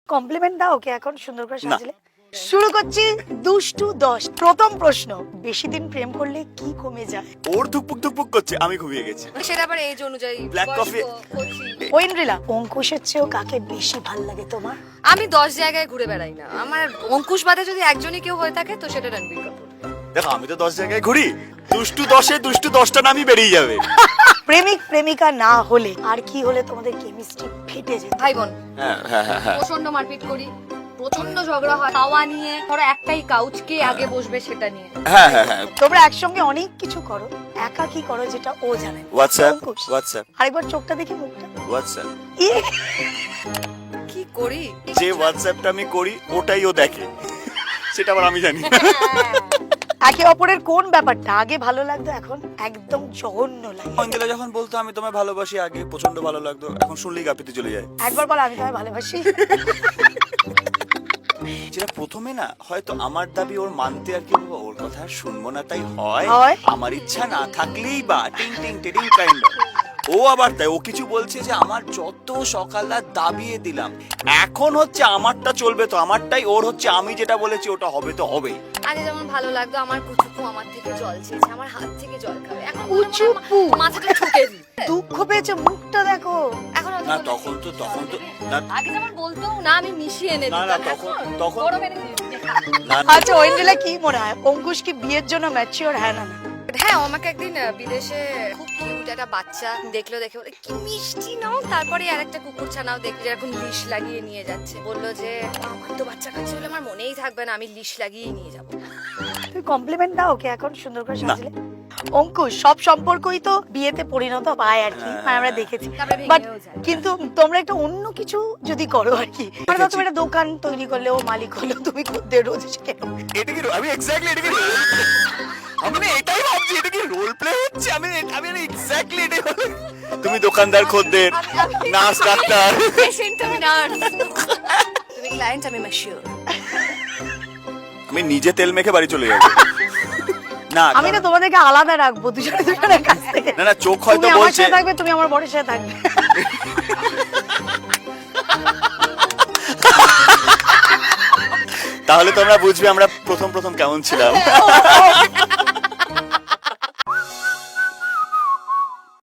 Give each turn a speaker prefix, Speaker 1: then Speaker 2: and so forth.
Speaker 1: Complement দাও ওকে এখন সুন্দর করে সাজলে। শুরু করছি দুষ্টু 10। প্রথম প্রশ্ন, বেশি দিন প্রেম করলে কি কমে যায়?
Speaker 2: ওর ধুকপুক ধুকপুক করছে, আমি ঘুমিয়ে গেছি।
Speaker 3: সেটা আবার এজ অনুযায়ী
Speaker 2: Black coffee।
Speaker 1: ঐন্দ্রিলা, অঙ্কুশের চেয়েও কাকে বেশি ভাল লাগে তোমার?
Speaker 3: আমি 10 জায়গায় ঘুরে বেড়াই না, আমার অঙ্কুশ বাদে যদি একজনই কেউ হয়ে থাকে তো সেটা রণবীর কাপুর।
Speaker 2: দেখো আমি তো 10 জায়গায় ঘুরি, দুষ্টু 10-এ দুষ্টু 10টা নামই বেরিয়ে যাবে।
Speaker 1: প্রেমিক প্রেমিকা না হলে আর কি হলে তোমাদের কেমিস্ট্রি ফেটে যেত?
Speaker 3: ভাই বোন
Speaker 2: হ্যাঁ হ্যাঁ হ্যাঁ হ্যাঁ।
Speaker 3: প্রচন্ড মারপিট করি, প্রচন্ড ঝগড়া হয় খাওয়া নিয়ে, ধরো একটাই কাউচ কে আগে বসবে সেটা নিয়ে।
Speaker 2: হ্যাঁ হ্যাঁ হ্যাঁ।
Speaker 1: তোমরা একসঙ্গে অনেক কিছু করো, একা কি করো যেটা ও জানে না?
Speaker 2: হোয়াটসঅ্যাপ
Speaker 1: অঙ্কুশ,
Speaker 2: হোয়াটসঅ্যাপ
Speaker 1: আরেকবার চোখটা দেখি, মুখটা।
Speaker 2: হোয়াটসঅ্যাপ।
Speaker 1: ইয়ে,
Speaker 3: কি করি
Speaker 2: যে হোয়াটসঅ্যাপটা আমি করি ওটাই ও দেখে, সেটা আবার আমি জানি।
Speaker 1: একে অপরের কোন ব্যাপারটা আগে ভালো লাগতো এখন একদম জঘন্য লাগে?
Speaker 2: অঞ্জলা যখন বলতো আমি তোমায় ভালোবাসি, আগে প্রচন্ড ভালো লাগতো, এখন শুনলেই গাপিতে চলে যায়।
Speaker 1: একবার বল আমি তোমায় ভালোবাসি।
Speaker 2: যেটা প্রথমে না হয়তো আমার দাবি ওর মানতে আর কি বলবো, ওর কথা আর শুনবো না তাই হয়,
Speaker 1: হয়।
Speaker 2: আমার ইচ্ছা না থাকলেই বা টিং টিং টিং কাইন্ড। ও আবার তাই ও কিছু বলছে যে আমার যত সকালটা দাবিয়ে দিলাম, এখন হচ্ছে আমারটা চলবে তো আমারটাই, ওর হচ্ছে আমি যেটা বলেছি ওটা হবে তো হবে।
Speaker 3: আগে যেমন ভালো লাগতো আমার কুচুকু আমার থেকে জল চেয়েছে, আমার হাত থেকে জল খাবে, এখন
Speaker 1: কুচুকু?
Speaker 3: মাথাটা ঠুকে দিই।
Speaker 1: দুঃখ পেয়েছে, মুখটা দেখো।
Speaker 3: এখন অত
Speaker 2: না
Speaker 3: বলে
Speaker 2: তখন তো না
Speaker 3: আগে যেমন বলতো না আমি মিশিয়ে এনে
Speaker 2: না,
Speaker 3: দিতাম,
Speaker 2: না, তখন-
Speaker 3: বড় মেরে দিতাম।
Speaker 2: না
Speaker 1: আচ্ছা ঐন্দ্রিলা, কি মনে হয় অঙ্কুশ কি বিয়ের জন্য ম্যাচিওর? হ্যাঁ না না?
Speaker 3: হ্যাঁ, ও আমাকে একদিন বিদেশে খুব কিউট একটা বাচ্চা দেখলো, দেখে বলে কি মিষ্টি নাও, তারপরে আরেকটা কুকুর ছানাও দেখলো যেরকম লিশ লাগিয়ে নিয়ে যাচ্ছে, বললো যে আমার তো বাচ্চা কাচ্চা হলে আমার মনেই থাকবে না, আমি লিশ লাগিয়ে নিয়ে যাবো।
Speaker 1: তুমি কমপ্লিমেন্ট দাও ওকে এখন সুন্দর করে
Speaker 2: না।
Speaker 1: সাজলে। অঙ্কুশ, সব সম্পর্কই তো বিয়েতে পরিণত পায় আর কি, মানে আমরা দেখেছি।
Speaker 3: তারপরে
Speaker 1: বাট
Speaker 3: ভেঙেও যায়।
Speaker 1: কিন্তু তোমরা একটা অন্য কিছু যদি করো আর কি, মানে ধরো
Speaker 2: দেখেছি।
Speaker 1: তুমি একটা দোকান তৈরি করলে, ও মালিক হলো, তুমি খদ্দের রোজ এসে কেন?
Speaker 2: এটা কি আমি এক্স্যাক্টলি এটা কি আমি না এটাই ভাবছি, এটা কি রোল প্লে হচ্ছে? আমি এক্স্যাক্টলি এটাই ভাবছি। তুমি দোকানদার, খদ্দের, নার্স, ডাক্তার।
Speaker 3: পেশেন্ট আমি নার্স, তুমি ক্লায়েন্ট আমি ম্যাচিওর।
Speaker 2: আমি নিজে তেল মেখে বাড়ি চলে যাবো। না
Speaker 1: আমি না তোমাদেরকে আলাদা রাখবো দুজনে দুজনের কাছ থেকে।
Speaker 2: না না, চোখ হয়তো
Speaker 1: তুমি আমার
Speaker 2: বলছে
Speaker 1: সাথে থাকবে, তুমি আমার বরের সাথে থাকবে।
Speaker 2: তাহলে তোমরা বুঝবে আমরা প্রথম প্রথম কেমন ছিলাম।